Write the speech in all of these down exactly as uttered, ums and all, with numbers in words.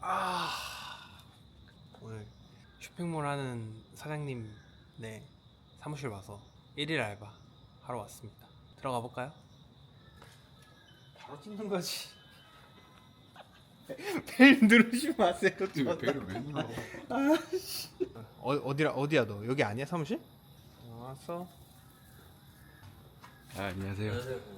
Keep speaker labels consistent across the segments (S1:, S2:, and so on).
S1: 아 오늘 쇼핑몰 하는 사장님 네 사무실 와서 일일 알바 하러 왔습니다. 들어가 볼까요? 바로 찍는 거지. 벨 누르지 마세요.
S2: 왜 배를 왜 눌러?
S1: 어, 어디라 어디야 너? 여기 아니야 사무실? 어, 왔어.
S2: 아, 안녕하세요.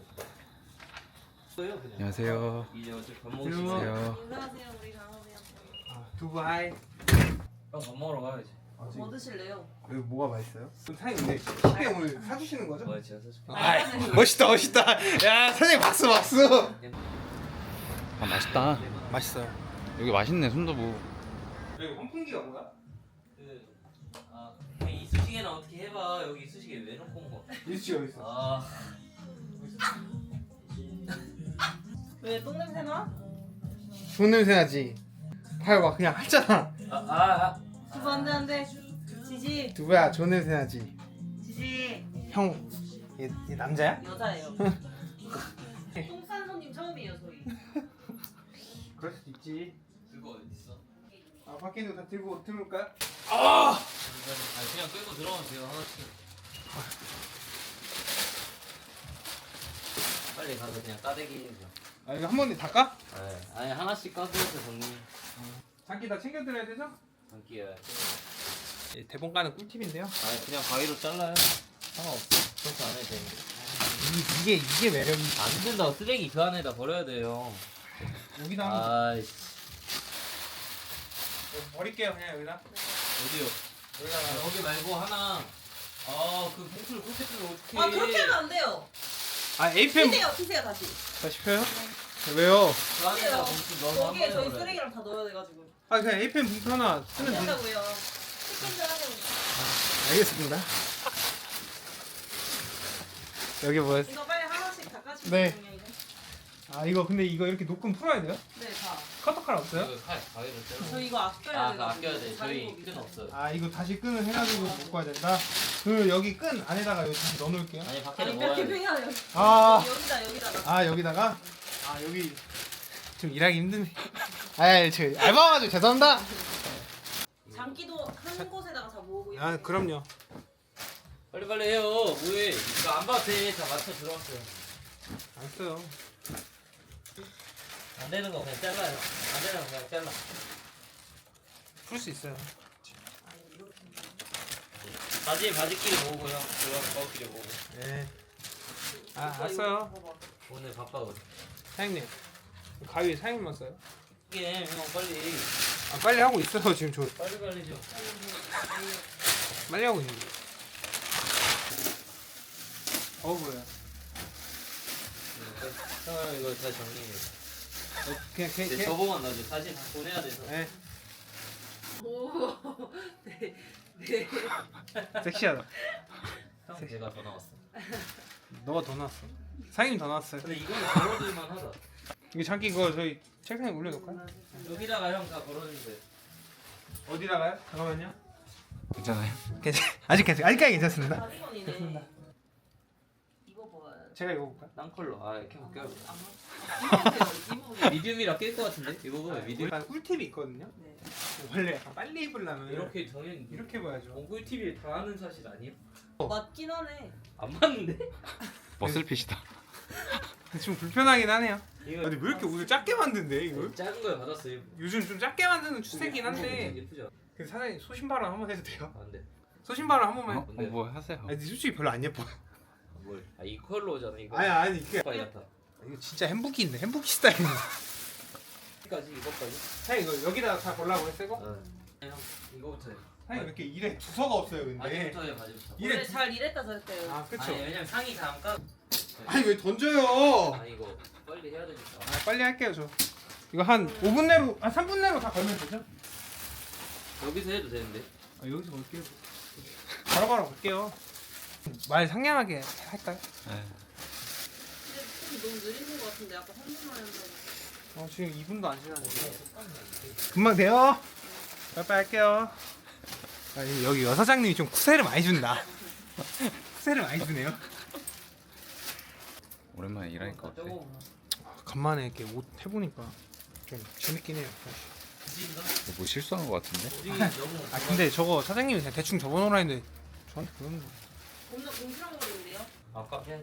S3: 안녕하세요.
S2: 안녕하세요.
S3: 이제 어차피 밥
S1: 안녕하세요.
S3: 먹으세요.
S4: 인사하세요, 우리 강호세요.
S1: 아, 두부 하이.
S3: 형 밥 먹으러 가야지.
S4: 뭐 드실래요?
S1: 여기 뭐가 맛있어요? 그럼 사장님 근데 식대 오늘 사주시는 거죠?
S3: 뭐야 제가 사줄게.
S1: 아, 멋있다 멋있다. 야 사장님 박수 박수.
S2: 아, 맛있다.
S1: 맛있어요.
S2: 여기 맛있네, 순두부.
S1: 여기 환풍기가 뭐야?
S3: 그, 아, 이 이쑤시개는 어떻게 해봐. 여기 이쑤시개 왜 놓고 온 거?
S1: 일치 여기 있어.
S3: 아,
S4: 왜 똥냄새 나?
S1: 좋은 냄새 나지. 봐요 봐 그냥 했잖아.
S3: 아, 아, 아.
S4: 두부 안돼 안돼. 지지
S1: 두부야 좋은 냄새 나지.
S4: 지지.
S1: 형, 얘, 얘 남자야?
S4: 여자예요. 똥싼 손님 처음이에요 저희.
S1: 그럴 수도 있지.
S3: 그거 어디 있어?
S1: 아 밖에 있는 거 다 들고 들어올까요?
S3: 아, 그냥 끌고 들어가면 돼요 하나씩. 빨리 가서 그냥 따대기 해줘.
S1: 아 이거 한 번에 닦아?
S3: 네. 아니 하나씩 까서 정리.
S1: 장기 다 챙겨드려야 되죠?
S3: 담기야.
S1: 예, 대본 까는 꿀팁인데요.
S3: 아니 그냥 가위로 잘라요. 상관없어. 그렇게 안 해도 되는데.
S1: 이, 이게 이게 매력이.
S3: 안 된다고 쓰레기 그 안에다 버려야 돼요.
S1: 여기다 한번
S3: 아이씨.
S1: 버릴게요 그냥 여기다.
S3: 어디요?
S1: 여기다가.
S3: 아, 거기 말고 하나. 아, 그 봉투를 그렇게 뜨면 어떡해.
S4: 아 그렇게 하면 안 돼요.
S1: 아 에이피엠
S4: 피세요 피세요 다시.
S1: 다시 펴요? 왜요?
S3: 그 안에다 봉투 넣어서 한
S4: 거기에
S3: 번에
S4: 저희
S3: 버려야 돼.
S4: 쓰레기랑 다 넣어야 돼가지고.
S1: 아 그냥 에이피엠 봉투 하나 쓰면 돼.
S4: 된다고요. 치킨들 하냐고.
S1: 알겠습니다. 여기 뭐였어?
S4: 이거 빨리 하나씩 닦아주세요.
S1: 네.
S4: 그냥 이제.
S1: 아 이거 근데 이거 이렇게 녹음 풀어야 돼요?
S4: 네 다.
S1: 커터칼 없어요?
S3: 이거 칼, 가위로 잘라.
S4: 저 이거 아껴야
S3: 아,
S4: 돼.
S3: 그거 아껴야 돼. 저희 끈 없어요.
S1: 아 이거 다시 끈을 해가지고 묶고 와야 된다. 그 여기 끈 안에다가 여기 다시 넣어놓을게요.
S3: 아니, 밖에
S4: 아니
S3: 넣어야
S4: 몇
S3: 돼.
S4: 개평이야 여기.
S1: 아.
S4: 여기다 여기다가.
S1: 아 여기다가 아 여기 좀 일하기 힘드네. 아저 알바 와가지고 죄송합니다.
S4: 장기도 한 곳에다가 다 모으고.
S1: 아
S4: 이렇게.
S1: 그럼요.
S3: 빨리 빨리 해요. 뭐해? 이거 안 봐도 돼. 다 맞춰 들어왔어요.
S1: 안 써요.
S3: 안 되는 거 그냥 잘라요. 안 되는 거 그냥 잘라.
S1: 풀 수 있어요.
S3: 바지 바지끼리 모으고요. 들어가서 거기끼리 모으고.
S1: 네. 아
S4: 이거,
S1: 알았어요.
S4: 이거 봐봐.
S3: 오늘 바빠거든.
S1: 사장님 가위 사장님만 써요.
S3: 이게 형 빨리
S1: 아 빨리 하고 있어요 지금 저
S3: 빨리 빨리 좀.
S1: 빨리 하고 있는데. 어 뭐야?
S3: 형 이거 다 정리해.
S1: 어, 그냥 걔
S3: 이제
S1: 걔.
S3: 저보만 나죠. 사진 다 보내야 돼서.
S1: 네.
S4: 오. 네. 네.
S1: 섹시하다.
S3: 형 제가 더 나왔어.
S1: 너가 더 나왔어. 사장님 더 나왔어요.
S3: 근데 이거는 걸어둘만 하다.
S1: 이거 잠깐 이거 저희 책상에 올려놓을까요?
S3: 여기다가 형 다 걸어주세요.
S1: 어디다가요? 잠깐만요.
S2: 괜찮아요?
S1: 괜찮. 아직 괜찮. 아직까지 괜찮습니다.
S4: 가디건이네. 이거 뭐야?
S1: 제가 이거 볼까요?
S3: 딴 컬러. 아 이렇게 볼게요.
S4: 입어보세요. 입어보세요.
S3: 미디움이라 낄 것 같은데? 이거 보면 미디움.
S1: 약간 꿀팁이 있거든요.
S4: 네.
S1: 원래 약간 빨리 입으려면 이렇게
S3: 이렇게 정현
S1: 이렇게 봐야죠.
S3: ongul 티비에 다 하는 사실 아니에요?
S4: 맞긴 하네.
S3: 안 맞는데?
S2: 머슬핏이다.
S1: 좀 불편하긴 하네요.
S3: 이거
S1: 근데 왜 이렇게 옷을 작게 만든대 이걸?
S3: 작은 거에 받았어요.
S1: 요즘 좀 작게 만드는 추세긴 한데.
S3: 예쁘죠?
S1: 그 사장님 소신발언 한번 해도 돼요?
S3: 안 돼.
S1: 소신발언 한 번만.
S2: 어?
S1: 해.
S2: 어, 뭐 하세요?
S1: 아니 솔직히 별로 안 예뻐.
S3: 뭘? 아 이 컬러잖아 이거.
S1: 아니 아니 이게
S3: 빨리 같아.
S1: 이거 진짜 햄부기인데 햄부기 스타일인데.
S3: 여기까지 이거까지.
S1: 사장님 이거 여기다가 다 걸라고 했어고?
S3: 응. 형 이거부터 해.
S1: 사장님 왜 이렇게 일에 두서가 없어요 근데.
S3: 바지부터 해 바지부터.
S1: 이래
S4: 원래 잘 일했다 저랬대요.
S1: 아 그쵸.
S3: 아니 왜냐면 상의 다안 까.
S1: 아니 왜 던져요?
S3: 아니 이거 빨리 해야 되니까.
S1: 아 빨리 할게요 저. 이거 한 오 분 내로 한 삼 분 내로 다 걸면 되죠?
S3: 여기서 해도 되는데.
S1: 아 여기서 걸게요. 바로바로 걸게요. 말 상냥하게 할까요?
S2: 네.
S4: 근데 좀 너무 느린 것 같은데 아까 삼 분만 했는데.
S1: 어 지금 이 분도 안 지났는데. 금방 돼요. 빨리빨리 할게요. 아, 이- 여기 여사장님이 좀 쿠세를 많이 준다. 쿠세를 많이 주네요.
S2: 오랜만에 일하니까 어때?
S3: 저거
S1: 간만에 이렇게 옷 해보니까 좀 재밌긴 해요. 사실.
S3: 굳이인가?
S2: 뭐 실수한 거 같은데?
S3: 굳이 너무.
S1: 아 근데 저거 사장님이 그냥 대충 접어놓으라 했는데 저한테 그러는 거.
S4: 겁나 공실한 거인데요?
S3: 아까 해야지.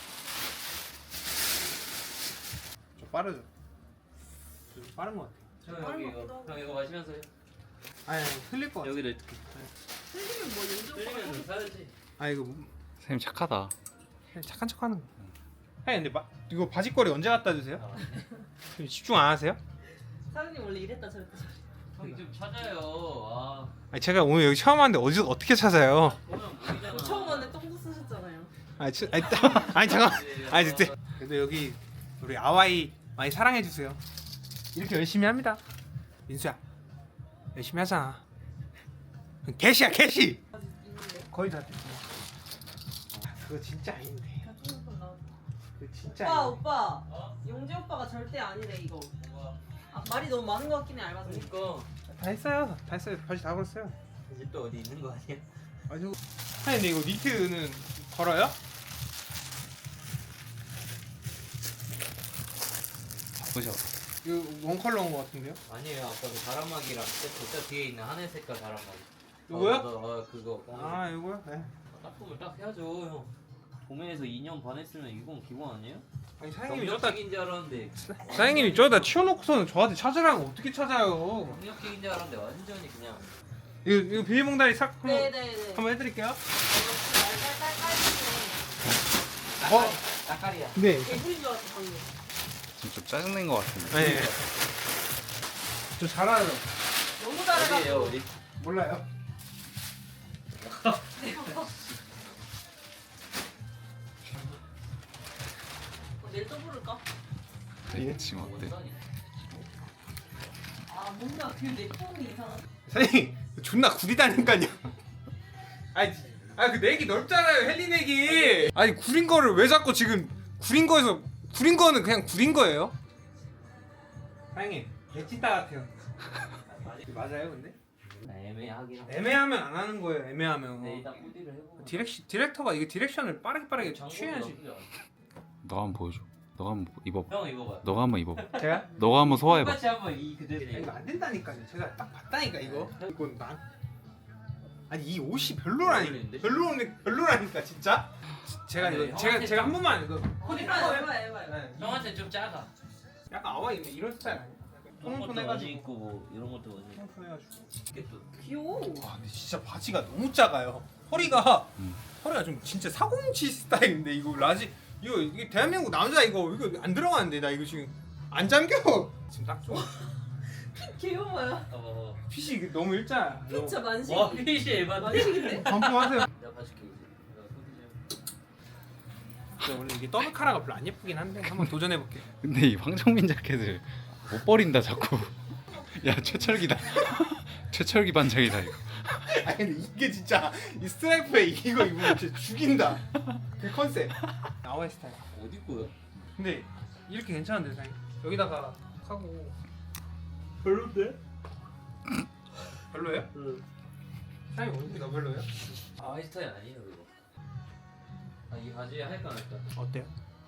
S1: 저 빠르죠? 좀 빠른 거 같아요.
S3: 저 여기 이거 형 이거 마시면서 해.
S1: 아니, 아니 흘릴 거 같아.
S3: 여기를 이렇게
S4: 틀리면 뭐 연주 오빠가
S3: 틀리면
S4: 좀
S3: 사야지.
S1: 아 이거 뭐-
S2: 선생님 착하다.
S1: 그냥 착한 척하는 거. 아니 근데 마, 이거 바지걸이 언제 갖다 주세요?
S3: 아,
S1: 좀 집중 안 하세요?
S4: 사장님 원래 이랬다 저랬다
S3: 형이 좀 찾아요. 아
S1: 아니 제가 오늘 여기 처음 왔는데 어디 어떻게 찾아요?
S3: 보면 보이잖아.
S4: 처음 왔는데 똥도 쓰셨잖아요
S1: 아니, 치, 아니, 따- 아니 잠깐. 아니 진짜. 그래도 여기 우리 아와이 많이 사랑해 주세요. 이렇게 열심히 합니다. 민수야, 열심히 하잖아. 개시야 개시.
S4: 아직 있는데
S1: 거의 다 됐어. 아, 그거 진짜 아닌데.
S4: 그냥 조금 나왔다
S1: 그거 진짜
S4: 오빠
S1: 아닌데.
S4: 오빠
S3: 어?
S4: 용재 오빠가 절대 아니래 이거
S3: 뭐가?
S4: 아, 말이 너무 많은 것 같긴 해 알바생
S3: 그러니까
S1: 다 했어요. 다 했어요. 바지 다 걸었어요.
S3: 이제 또 어디 있는 거 아니야?
S1: 아니 저거. 아니 근데 이거 니트는 걸어요?
S2: 바쁘셔.
S1: 이거 원 컬러인 것 같은데요?
S3: 아니에요. 아까 그 바람막이랑 세트 저 뒤에 있는 하늘 색깔 바람막이.
S1: 이거요?
S3: 어, 어, 어, 그거.
S1: 아 이거요? 네.
S3: 딱 보면 딱 해야죠 형. 봄에서 이 년 반 했으면 이건 기본 아니에요?
S1: 아니 사장님이 저다
S3: 경력직인 줄 알았는데.
S1: 사장님이 저다 치워놓고서는 저한테 찾으라고 어떻게 찾아요?
S3: 경력직인 줄 알았는데 완전히 그냥.
S1: 이거 이거 비닐봉다리 싹 한번
S4: 네네네
S1: 한번 해드릴게요.
S4: 깔깔깔깔
S1: 어?
S3: 따까리야.
S1: 네.
S4: 개구리인 줄 알았어 방금
S2: 지금 좀 짜증낸 거 같은데.
S1: 네. 저 잘하요.
S4: 너무
S3: 어디에요
S4: 잘해가지고
S3: 어디?
S1: 몰라요.
S4: 어, 내일 또 부를까?
S2: 네, 지금 어때?
S3: 원산이.
S4: 아 뭔가 그내 폼이 이상한
S1: 사장님 존나 구리다니까요. 아니 아그 내기 넓잖아요 헬리 내기. 아니 구린 거를 왜 자꾸 지금 구린 거에서 구린 거는 그냥 구린 거예요. 사장님 개찐따 같아요. 맞아요 근데?
S3: 아, 애매하긴 하고.
S1: 애매하면 안 하는 거예요. 애매하면.
S3: 네 일단 코디를 해보고.
S1: 디렉 디렉터가 이게 디렉션을 빠르게 빠르게 취해야지.
S2: 너 한번 보여줘. 너가 한번 입어봐.
S3: 형 입어봐요.
S2: 너가 한번 입어봐.
S1: 제가?
S2: 너가 한번 소화해봐.
S3: 똑같이 한번 이 그대로.
S1: 아니, 이거 안 된다니까요. 제가 딱 봤다니까 이거. 이건 난 아니 이 옷이 별로라니. 별로네 별로라니까 진짜. 제가
S3: 아니,
S1: 이거 제가
S3: 형한테
S1: 제가 한
S3: 좀-
S1: 번만 이거 코디
S4: 해봐요
S1: 한
S4: 해봐요 해봐요
S1: 네.
S3: 형한테 좀 작아.
S1: 약간 아와 이런 이런 스타일 아니야?
S3: 이런 것도
S1: 통통해가지고.
S3: 원지 있고 뭐 이런 것도 원지.
S1: 통통해가지고.
S3: 이게 또
S4: 귀여워
S1: 와 근데 진짜 바지가 너무 작아요. 허리가
S2: 음.
S1: 허리가 좀 진짜 사공치 스타일인데 이거 라지 이거 이게 대한민국 남자 이거 이거 안 들어가는데 나 이거 지금 안 잠겨. 지금 딱 좋아.
S4: 귀여워요
S3: 어.
S1: 핏이 이게 너무 일자.
S4: 피자 만식
S3: 와 핏이 에반데.
S4: 만식인데?
S1: 반품하세요.
S3: 내가 봐줄게 이제. 내가 코디 좀.
S1: 근데 원래 이게 더블 카라가 별로 안 예쁘긴 한데 한번 도전해 볼게요.
S2: 근데 이 황정민 자켓을 못 버린다 자꾸. 야 최철기다. 최철기 반장이다 이거.
S1: 아니 근데 이게 진짜 이 스트라이프에 이거 입으면 진짜 죽인다. 그 컨셉. 나와의 스타일.
S3: 어디 거야?
S1: 근데 이렇게 괜찮은데 사장님? 여기다가 하고 별로인데? 별로예요?
S3: 응.
S1: 사장님 어떻게 너 별로예요?
S3: 아 이 스타일 아니에요 그거. 아이 바지에 할까 말까.
S1: 어때요?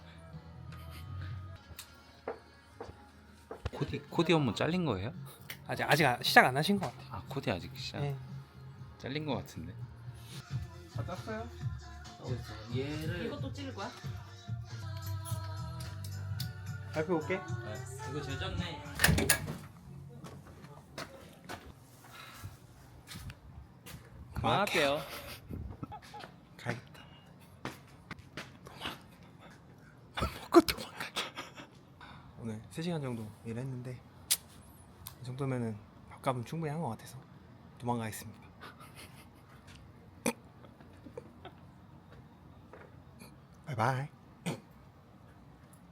S2: 코디 코디 업무 잘린 거예요?
S1: 아직 아직 안- 시작 안 하신 것 같아요.
S2: 아 코디 아직 시작
S1: 네.
S2: 잘린 거 같은데.
S1: 다 땄어요?
S3: 어, 얘를.
S4: 이것도 찍을 거야?
S1: 발표 올게.
S3: 아, 이거 제일 작네.
S1: 그만할게요. 가야겠다. 도망. 먹고 도망가자. 오늘 세 시간 정도 일했는데 이 정도면은 밥값은 충분히 한 것 같아서 도망가겠습니다. 바이바이.